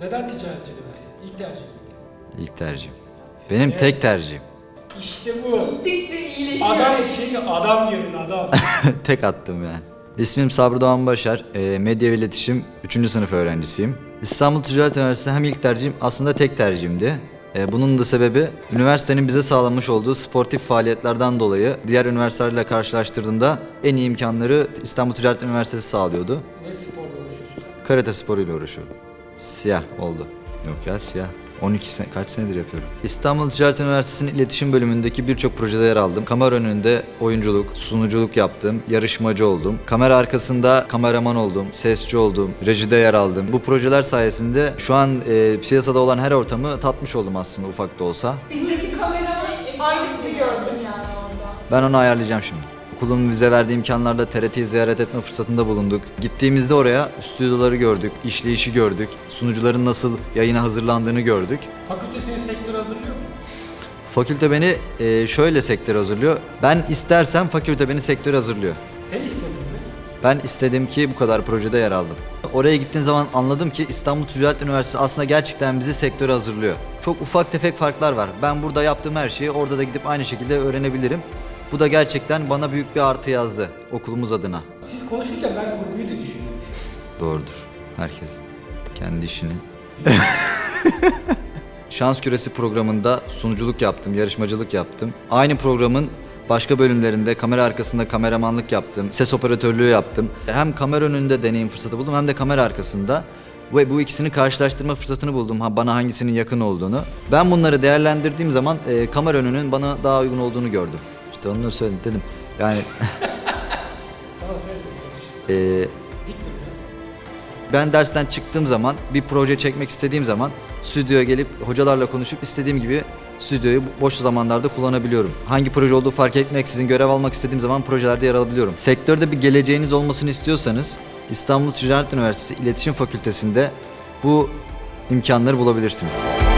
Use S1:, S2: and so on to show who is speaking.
S1: Neden ticaret üniversitesi? İlk tercih miydi?
S2: İlk tercihim. Benim tek tercihim.
S1: İşte bu.
S3: Gittikçe iyileşiyor.
S1: Adam görün adam.
S2: Tek attım yani. İsmim Sabri Doğan Başar. Medya ve İletişim 3. sınıf öğrencisiyim. İstanbul Ticaret Üniversitesi hem ilk tercihim aslında tek tercihimdi. Bunun da sebebi üniversitenin bize sağlamış olduğu sportif faaliyetlerden dolayı diğer üniversitelerle karşılaştırdığımda en iyi imkanları İstanbul Ticaret Üniversitesi sağlıyordu.
S1: Ne sporla uğraşıyorsun?
S2: Karate sporuyla uğraşıyorum. Siyah oldu. Yok ya siyah. 12 sene, kaç senedir yapıyorum. İstanbul Ticaret Üniversitesi'nin iletişim bölümündeki birçok projede yer aldım. Kamera önünde oyunculuk, sunuculuk yaptım, yarışmacı oldum. Kamera arkasında kameraman oldum, sesçi oldum, rejide yer aldım. Bu projeler sayesinde şu an piyasada olan her ortamı tatmış oldum aslında ufak da olsa.
S3: Bizdeki kamera aynısını gördüm yani orada.
S2: Ben onu ayarlayacağım şimdi. Okulun bize verdiği imkanlarda TRT'yi ziyaret etme fırsatında bulunduk. Gittiğimizde oraya stüdyoları gördük, işleyişi gördük, sunucuların nasıl yayına hazırlandığını gördük.
S1: Fakülte seni sektör hazırlıyor mu?
S2: Fakülte beni şöyle sektöre hazırlıyor. Ben istersem fakülte beni sektöre hazırlıyor.
S1: Sen istedin mi?
S2: Ben istedim ki bu kadar projede yer aldım. Oraya gittiğim zaman anladım ki İstanbul Ticaret Üniversitesi aslında gerçekten bizi sektöre hazırlıyor. Çok ufak tefek farklar var. Ben burada yaptığım her şeyi orada da gidip aynı şekilde öğrenebilirim. Bu da gerçekten bana büyük bir artı yazdı okulumuz adına.
S1: Siz konuşurken ben kurguyu da düşünüyorum.
S2: Doğrudur. Herkes kendi işini. Şans Küresi programında sunuculuk yaptım, yarışmacılık yaptım. Aynı programın başka bölümlerinde kamera arkasında kameramanlık yaptım, ses operatörlüğü yaptım. Hem kamera önünde deneyim fırsatı buldum hem de kamera arkasında. Ve bu ikisini karşılaştırma fırsatını buldum, bana hangisinin yakın olduğunu. Ben bunları değerlendirdiğim zaman kamera önünün bana daha uygun olduğunu gördüm. İşte onları söyledim dedim. Yani
S1: Tamam sen konuş. Dik dur biraz.
S2: ben dersten çıktığım zaman bir proje çekmek istediğim zaman stüdyoya gelip hocalarla konuşup istediğim gibi stüdyoyu boş zamanlarda kullanabiliyorum. Hangi proje olduğu fark etmeksizin görev almak istediğim zaman projelerde yer alabiliyorum. Sektörde bir geleceğiniz olmasını istiyorsanız İstanbul Ticaret Üniversitesi İletişim Fakültesi'nde bu imkanları bulabilirsiniz.